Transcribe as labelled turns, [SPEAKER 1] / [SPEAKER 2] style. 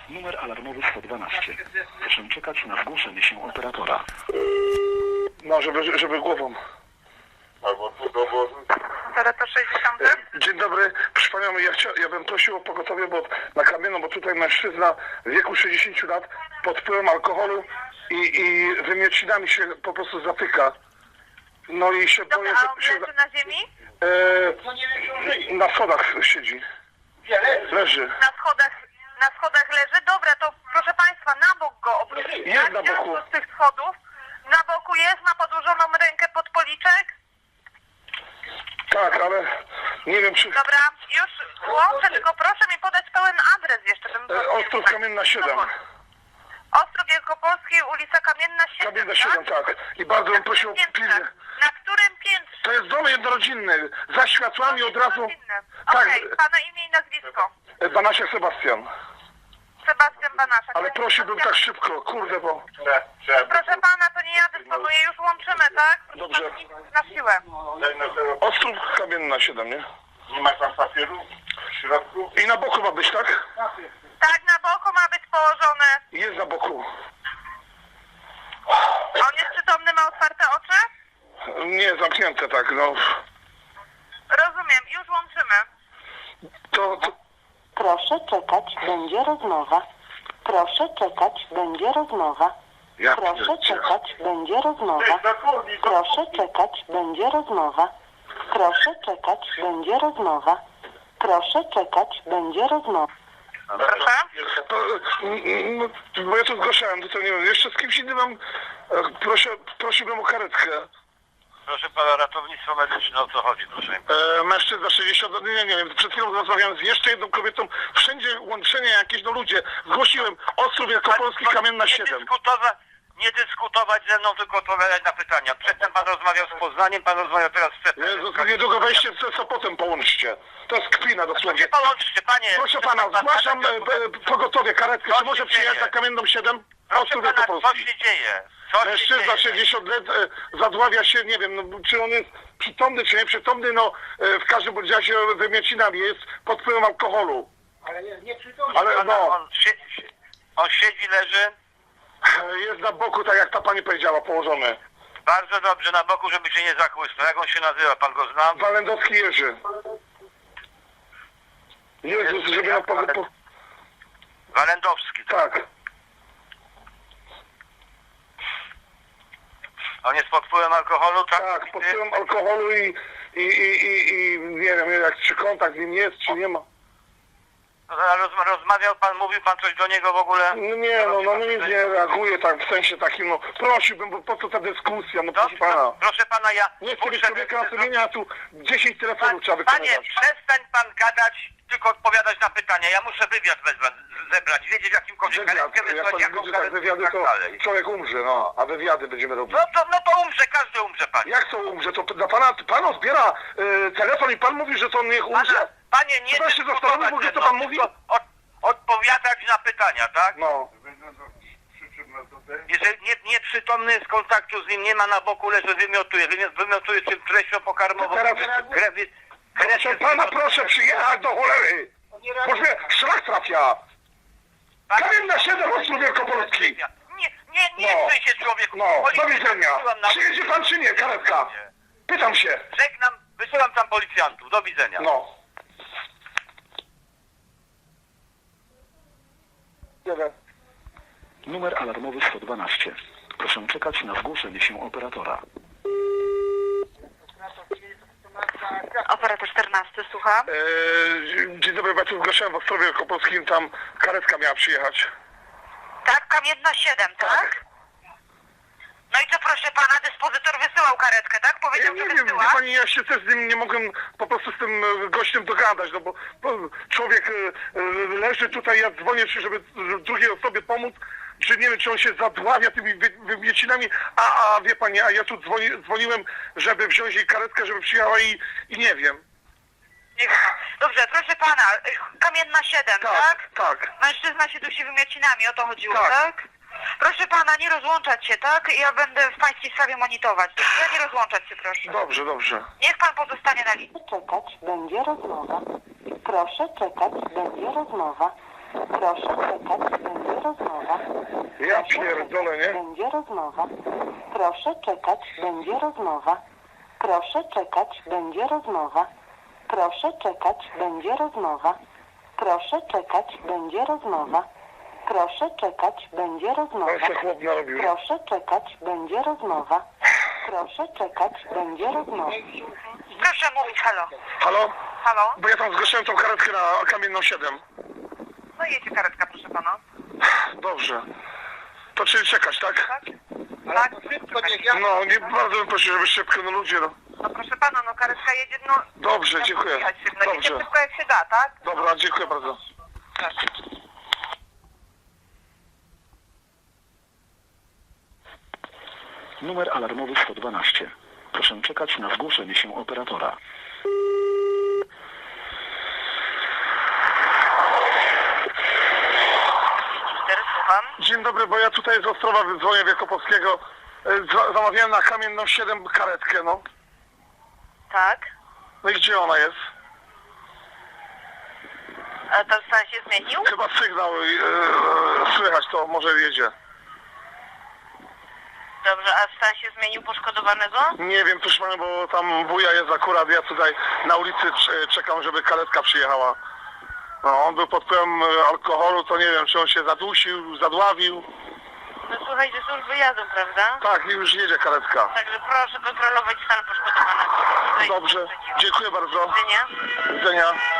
[SPEAKER 1] Numer alarmowy 112. Proszę czekać na zgłoszenie się operatora.
[SPEAKER 2] No, żeby głową.
[SPEAKER 3] Albo tu dowozu.
[SPEAKER 4] Operator 60.
[SPEAKER 2] Dzień dobry. Proszę panią, ja bym prosił o pogotowie, bo na Kamienną, bo tutaj mężczyzna w wieku 60 lat pod wpływem alkoholu i wymiocinami się po prostu zatyka. No i się boję,
[SPEAKER 4] Dobra, a on
[SPEAKER 2] że się...
[SPEAKER 4] leży na ziemi?
[SPEAKER 2] Na schodach siedzi. Leży.
[SPEAKER 4] Na schodach leży? Dobra, to proszę państwa, na bok go obrócić.
[SPEAKER 2] Jest na boku.
[SPEAKER 4] Z tych schodów. Na boku jest, ma podłożoną rękę pod policzek.
[SPEAKER 2] Tak, ale nie wiem czy...
[SPEAKER 4] Dobra, już łączę, tylko proszę mi podać pełen adres jeszcze.
[SPEAKER 2] Ostrów Kamienna 7.
[SPEAKER 4] Ostrów Wielkopolski, ulica Kamienna 7,
[SPEAKER 2] Kamienna 7, tak. I bardzo bym prosił o pilnie.
[SPEAKER 4] Na którym piętrze?
[SPEAKER 2] To jest dom jednorodzinny. Za światłami od razu... Tak,
[SPEAKER 4] Okej, pana imię i nazwisko.
[SPEAKER 2] Banasiak Sebastian.
[SPEAKER 4] Sebastian Banaszak.
[SPEAKER 2] Ale prosiłbym tak szybko, kurde, bo...
[SPEAKER 4] Proszę pana, to nie ja dysponuję, już łączymy, tak? Proszę
[SPEAKER 2] Dobrze.
[SPEAKER 4] pana, nic na siłę.
[SPEAKER 2] Ostrów Kamienna 7, nie?
[SPEAKER 3] Nie masz tam papieru w środku?
[SPEAKER 2] I na boku ma być, tak?
[SPEAKER 4] Tak, na boku ma być położony.
[SPEAKER 2] Jest na boku.
[SPEAKER 4] On jest przytomny, ma otwarte oczy?
[SPEAKER 2] Nie, zamknięte tak, no.
[SPEAKER 4] Rozumiem, już łączymy.
[SPEAKER 2] To...
[SPEAKER 5] Proszę czekać, będzie rozmowa. Proszę czekać, będzie rozmowa.
[SPEAKER 2] Ja
[SPEAKER 5] Proszę
[SPEAKER 2] pierdzie-
[SPEAKER 5] czekać, będzie rozmowa. Proszę czekać, będzie rozmowa. Proszę czekać, będzie rozmowa. Proszę czekać, będzie rozmowa.
[SPEAKER 4] Proszę?
[SPEAKER 2] To, no, bo ja tu zgłaszałem, to nie wiem, jeszcze z kimś innym mam... Prosiłbym o karetkę.
[SPEAKER 3] Proszę pana, ratownictwo medyczne, o co chodzi, proszę?
[SPEAKER 2] Mężczyzna 60, nie wiem, przed chwilą rozmawiałem z jeszcze jedną kobietą, wszędzie łączenia jakieś, no ludzie, zgłosiłem, Ostrów Wielkopolski, Kamienna 7.
[SPEAKER 3] Nie dyskutować ze mną, tylko odpowiadać na pytania. Przedtem pan rozmawiał z Poznaniem, pan rozmawiał teraz z przedtem.
[SPEAKER 2] Jezus, niedługo wejście z Sopotem połączcie. To jest kpina dosłownie.
[SPEAKER 3] Nie połączcie, panie.
[SPEAKER 2] Proszę pana, zgłaszam pogotowie, karetkę, czy może przyjechać na Kamienną 7?
[SPEAKER 3] Proszę
[SPEAKER 2] Ostrów
[SPEAKER 3] pana, co
[SPEAKER 2] Wielkopolski.
[SPEAKER 3] się dzieje? Co się
[SPEAKER 2] Mężczyzna
[SPEAKER 3] dzieje?
[SPEAKER 2] 60 lat zadławia się, nie wiem, no, czy on jest przytomny, czy nie przytomny, no w każdym bądź razie wymiocinami, jest pod wpływem alkoholu.
[SPEAKER 3] Ale nie przytomny.
[SPEAKER 2] Ale no,
[SPEAKER 3] On siedzi, leży.
[SPEAKER 2] jest na boku, tak jak ta pani powiedziała, położony.
[SPEAKER 3] Bardzo dobrze, na boku, żeby się nie zachłysnął. Jak on się nazywa? Pan go zna?
[SPEAKER 2] Walendowski Jerzy. Jezus, żeby na
[SPEAKER 3] Walendowski.
[SPEAKER 2] tak.
[SPEAKER 3] On jest pod wpływem alkoholu, tak?
[SPEAKER 2] Tak, pod wpływem alkoholu i nie wiem, jak czy kontakt z nim jest, czy nie ma.
[SPEAKER 3] Rozmawiał pan, mówił pan coś do niego w ogóle?
[SPEAKER 2] No nie, no nic nie reaguje tak w sensie takim, no prosiłbym, bo po co ta dyskusja, no proszę
[SPEAKER 3] Dobrze,
[SPEAKER 2] pana.
[SPEAKER 3] proszę pana, ja...
[SPEAKER 2] Nie chcę mieć człowieka na sumieniu, a tu 10 telefonów trzeba wykonywać.
[SPEAKER 3] Panie, przestań pan gadać, tylko odpowiadać na pytania. Ja muszę wywiad zebrać, wiedzieć w jakimkolwiek
[SPEAKER 2] Wywiad,
[SPEAKER 3] karetkę
[SPEAKER 2] jak
[SPEAKER 3] wysłać,
[SPEAKER 2] pan
[SPEAKER 3] jaką
[SPEAKER 2] widzi tak
[SPEAKER 3] karetkę
[SPEAKER 2] wywiady,
[SPEAKER 3] i tak
[SPEAKER 2] to
[SPEAKER 3] dalej.
[SPEAKER 2] człowiek umrze, no, a wywiady będziemy robić.
[SPEAKER 3] No to umrze, każdy umrze, panie.
[SPEAKER 2] Jak to umrze? To dla pana zbiera telefon i pan mówi, że to niech umrze?
[SPEAKER 3] Panie, nie
[SPEAKER 2] Czy pan się
[SPEAKER 3] dyskutować
[SPEAKER 2] zastanowił w ogóle,
[SPEAKER 3] ze
[SPEAKER 2] co
[SPEAKER 3] mną,
[SPEAKER 2] pan mówi?
[SPEAKER 3] tylko odpowiadać na pytania, tak?
[SPEAKER 2] No.
[SPEAKER 3] Jeżeli nieprzytomny z kontaktu z nim nie ma na boku, leży, wymiotuje czym treścią pokarmową.
[SPEAKER 2] Teraz-
[SPEAKER 3] Krew
[SPEAKER 2] Proszę pana, proszę przyjechać do cholery! Boż mnie szlak trafia! Kamienna 7, Ostrów Wielkopolski!
[SPEAKER 3] Nie
[SPEAKER 2] No.
[SPEAKER 3] chce się człowieku.
[SPEAKER 2] No, do widzenia! Przyjedzie pan czy nie, karetka? Pytam się.
[SPEAKER 3] Żegnam, wysyłam tam policjantów. Do widzenia.
[SPEAKER 2] No.
[SPEAKER 1] Numer alarmowy 112. Proszę czekać na zgłoszenie się operatora.
[SPEAKER 4] Operator 14, słucham.
[SPEAKER 2] Dzień dobry, ja tu zgłaszałem w Ostrowie Wielkopolskim, tam karetka miała przyjechać.
[SPEAKER 4] Tak, Kamienna 7, tak? No i co, proszę pana, dyspozytor wysyłał karetkę, tak?
[SPEAKER 2] Ja
[SPEAKER 4] Powiedział,
[SPEAKER 2] nie
[SPEAKER 4] że
[SPEAKER 2] wiem, wie
[SPEAKER 4] wysyła?
[SPEAKER 2] pani, ja się też z nim nie mogłem po prostu z tym gościem dogadać, no bo człowiek leży tutaj, ja dzwonię, żeby drugiej osobie pomóc, że nie wiem, czy on się zadławia tymi wymiocinami, a wie pani, a ja tu dzwoniłem, żeby wziąć jej karetkę, żeby przyjechała i nie wiem.
[SPEAKER 4] Nie wiem. Dobrze, proszę pana, Kamienna 7, tak?
[SPEAKER 2] Tak.
[SPEAKER 4] Mężczyzna się dusi wymiocinami, o to chodziło,
[SPEAKER 2] Tak.
[SPEAKER 4] tak? Proszę pana, nie rozłączać się, tak? Ja będę w pańskiej sprawie monitorować. Ja nie rozłączać się, proszę.
[SPEAKER 2] Dobrze, dobrze.
[SPEAKER 4] Niech pan pozostanie na linii.
[SPEAKER 5] Czekać, będzie rozmowa. Proszę czekać, będzie rozmowa. Proszę czekać, będzie rozmowa.
[SPEAKER 2] Ja pierdolę, nie?
[SPEAKER 5] Będzie rozmowa. Proszę czekać, będzie rozmowa. Proszę czekać, będzie rozmowa. Proszę czekać, będzie rozmowa. Proszę czekać, będzie rozmowa. Proszę czekać, będzie rozmowa.
[SPEAKER 2] Ale se chłop narobił.
[SPEAKER 5] Proszę czekać, będzie rozmowa. Proszę czekać, będzie rozmowa.
[SPEAKER 4] Proszę mówić, halo.
[SPEAKER 2] Halo?
[SPEAKER 4] Halo?
[SPEAKER 2] Bo ja tam zgłosiłem tą karetkę na Kamienną 7.
[SPEAKER 4] No jedzie karetka, proszę pana.
[SPEAKER 2] Dobrze. To czyli czekać, tak?
[SPEAKER 4] Tak? Tak?
[SPEAKER 2] No, nie bardzo bym prosił, żeby szybko, no ludzie, no.
[SPEAKER 4] No proszę pana, no karetka jedzie, no...
[SPEAKER 2] Dobrze, dziękuję.
[SPEAKER 4] Jechać szybko. Jedzie
[SPEAKER 2] Dobrze.
[SPEAKER 4] szybko jak się da, tak?
[SPEAKER 2] Dobra, dziękuję bardzo.
[SPEAKER 4] Proszę.
[SPEAKER 1] Numer alarmowy 112. Proszę czekać na zgłoszenie się operatora.
[SPEAKER 4] Słucham.
[SPEAKER 2] Dzień dobry, bo ja tutaj z Ostrowa dzwonię Wielkopolskiego. Zamawiałem na Kamienną 7 karetkę, no.
[SPEAKER 4] Tak.
[SPEAKER 2] No i gdzie ona jest?
[SPEAKER 4] A to stan się zmienił?
[SPEAKER 2] Chyba sygnał słychać, to może jedzie.
[SPEAKER 4] Dobrze, a stan się zmienił poszkodowanego?
[SPEAKER 2] Nie wiem, proszę pana, bo tam wuja jest akurat, ja tutaj na ulicy czekam, żeby karetka przyjechała. No, on był pod wpływem alkoholu, to nie wiem, czy on się zadusił, zadławił.
[SPEAKER 4] No słuchajcie, służby jadą, prawda?
[SPEAKER 2] Tak, i już jedzie karetka.
[SPEAKER 4] Także proszę kontrolować stan poszkodowanego. Tutaj
[SPEAKER 2] Dobrze,
[SPEAKER 4] sprzeciwu.
[SPEAKER 2] dziękuję bardzo.
[SPEAKER 4] Do widzenia.
[SPEAKER 2] Do widzenia.